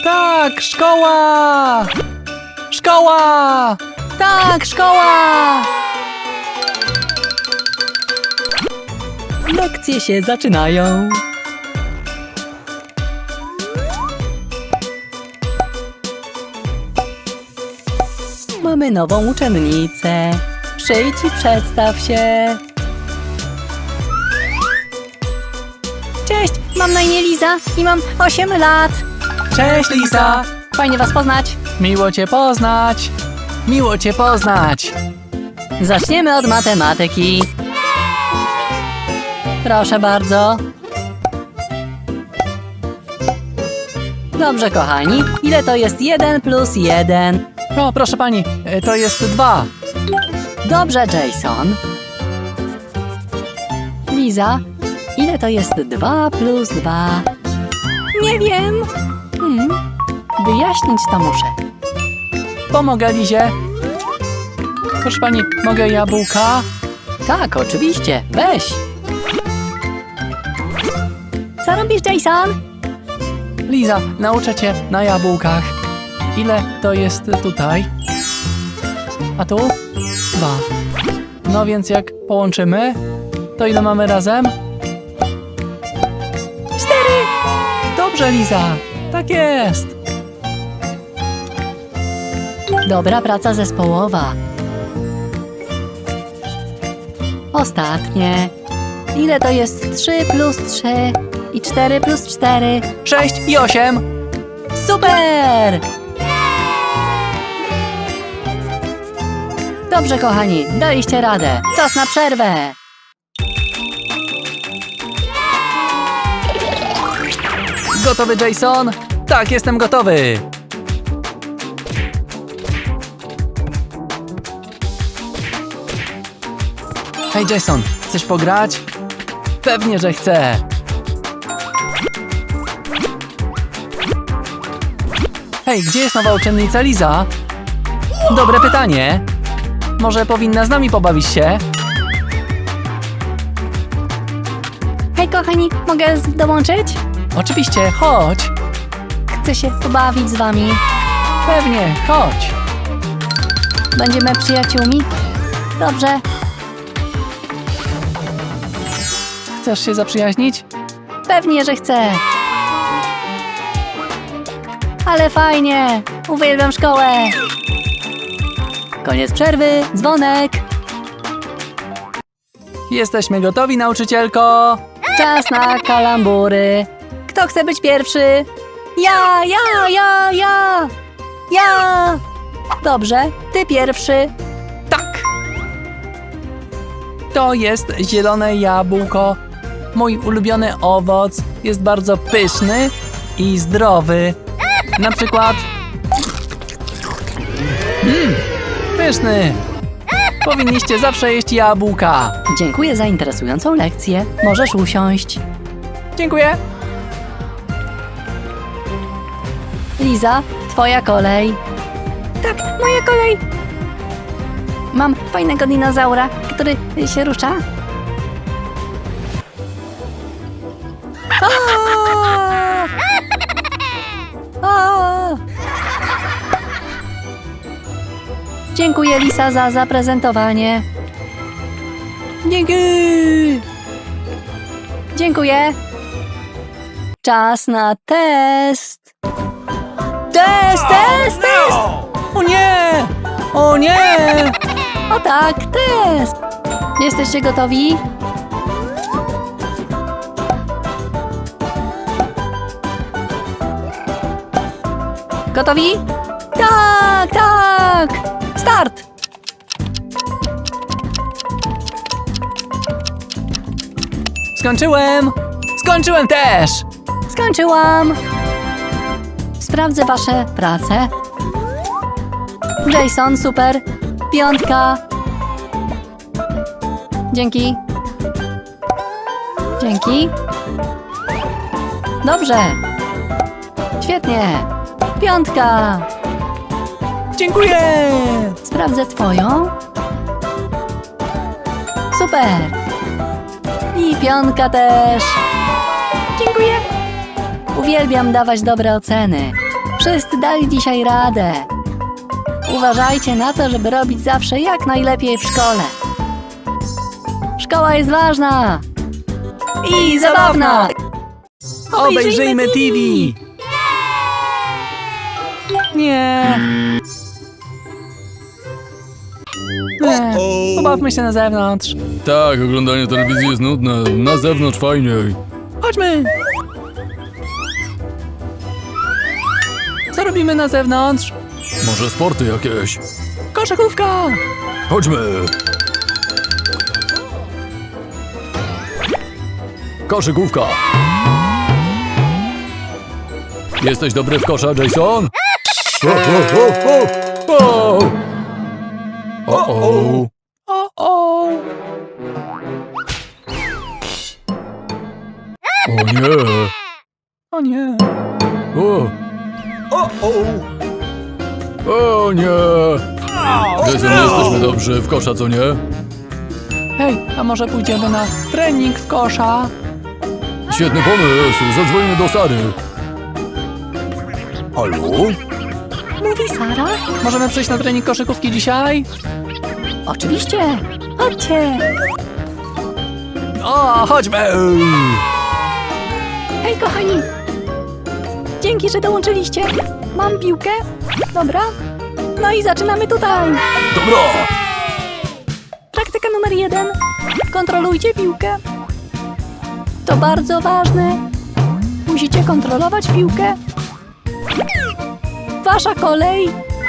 Tak, szkoła! Szkoła! Tak, szkoła! Lekcje się zaczynają. Mamy nową uczennicę. Przyjdź i przedstaw się. Cześć, mam na imię Liza i mam 8 lat. Cześć, Liza. Fajnie was poznać. Miło cię poznać. Miło cię poznać. Zaczniemy od matematyki. Proszę bardzo. Dobrze, kochani. Ile to jest 1 plus 1? O, proszę pani, to jest 2. Dobrze, Jason. Liza, ile to jest 2 plus 2? Nie wiem. Wyjaśnić to muszę. Pomogę Lizie. Proszę pani, mogę jabłka? Tak, oczywiście. Weź. Co robisz, Jason? Liza, nauczę cię na jabłkach. Ile to jest tutaj? A tu? 2. No więc jak połączymy, to ile mamy razem? 4. Dobrze, Liza. Tak jest. Dobra praca zespołowa. Ostatnie. Ile to jest 3 plus 3 i 4 plus 4? 6 i 8. Super! Dobrze, kochani, daliście radę. Czas na przerwę. Gotowy, Jason? Tak, jestem gotowy. Hej, Jason, chcesz pograć? Pewnie, że chcę. Hej, gdzie jest nowa uczennica Liza? Dobre pytanie. Może powinna z nami pobawić się? Hej, kochani, mogę dołączyć? Oczywiście, chodź. Chcę się pobawić z wami. Pewnie, chodź. Będziemy przyjaciółmi? Dobrze. Chcesz się zaprzyjaźnić? Pewnie, że chcę. Ale fajnie. Uwielbiam szkołę. Koniec przerwy, dzwonek. Jesteśmy gotowi, nauczycielko. Czas na kalambury. Kto chce być pierwszy? Ja. Dobrze, ty pierwszy. Tak. To jest zielone jabłko. Mój ulubiony owoc. Jest bardzo pyszny i zdrowy. Na przykład... Pyszny! Powinniście zawsze jeść jabłka. Dziękuję za interesującą lekcję. Możesz usiąść. Dziękuję. Liza, twoja kolej. Tak, moja kolej. Mam fajnego dinozaura, który się rusza. Dziękuję, Lisa, za zaprezentowanie. Dzięki! Dziękuję. Czas na test. Test! O nie! O nie! O tak, test! Jesteście gotowi? Gotowi? Tak! Start! Skończyłem też! Skończyłam! Sprawdzę wasze prace. Jason, super! 5. Dzięki. Dobrze. Świetnie. 5. Dziękuję! Sprawdzę twoją. Super! I 5 też. Dziękuję! Uwielbiam dawać dobre oceny. Wszyscy dali dzisiaj radę. Uważajcie na to, żeby robić zawsze jak najlepiej w szkole. Szkoła jest ważna i zabawna. Obejrzyjmy TV! Nie! Pobawmy się na zewnątrz. Tak, oglądanie telewizji jest nudne. Na zewnątrz fajniej. Chodźmy! Co robimy na zewnątrz? Może sporty jakieś? Koszykówka! Chodźmy! Koszykówka! Jesteś dobry w kosza, Jason? O-o! O! O nie! O nie! O! O nie! Jason, nie jesteśmy dobrzy w kosza, co nie? Hej, a może pójdziemy na trening w kosza? Świetny pomysł! Zadzwonimy do Sary. Halo? Mówi Sara? Możemy przyjść na trening koszykówki dzisiaj? Oczywiście. Chodźcie. O, chodźmy! Hej, kochani. Dzięki, że dołączyliście. Mam piłkę. Dobra. No i zaczynamy tutaj. Dobra! Praktyka numer 1. Kontrolujcie piłkę. To bardzo ważne. Musicie kontrolować piłkę. Wasza kolej.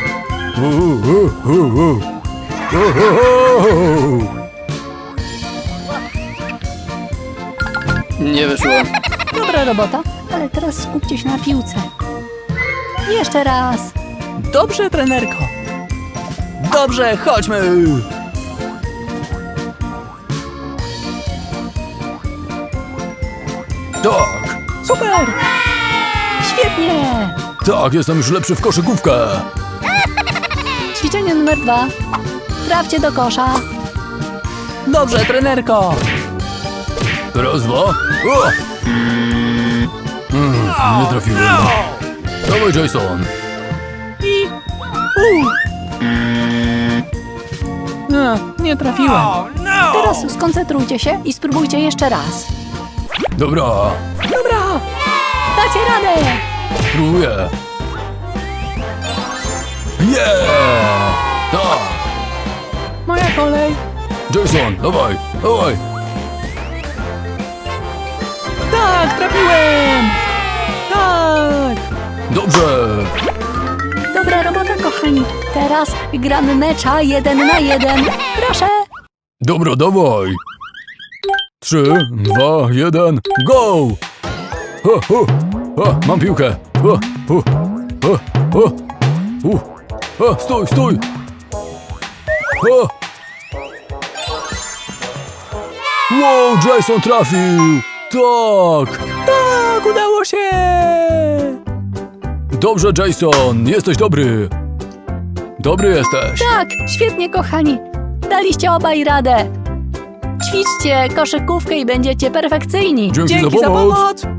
Nie wyszło. Dobra robota, ale teraz skupcie się na piłce. Jeszcze raz. Dobrze, trenerko. Dobrze, chodźmy! Tak! Super! Świetnie. Tak, jestem już lepszy w koszykówkę! Ćwiczenie numer 2. Trafcie do kosza. Dobrze, trenerko! Raz, dwa. O! Nie trafiłem. Dawaj, Jason. I... nie trafiłem. Teraz skoncentrujcie się i spróbujcie jeszcze raz. Dobra, Dobra! Dacie radę. spróbuję. Yeah! Tak! Moja kolej. Jason, dawaj, dawaj. Tak, trafiłem! Tak! Dobrze. Dobra robota, kochani. Teraz gramy mecza 1 na 1. Proszę. Dobra, dawaj. 3, 2, 1, go! Ho, ho. O, mam piłkę. O, o, o, o. O, stój, stój. O. Wow, Jason trafił. Tak. Tak, udało się! Dobrze, Jason, jesteś dobry. Dobry jesteś. Tak, świetnie, kochani. Daliście obaj radę. Ćwiczcie koszykówkę i będziecie perfekcyjni. Dzięki Dzięki za pomoc!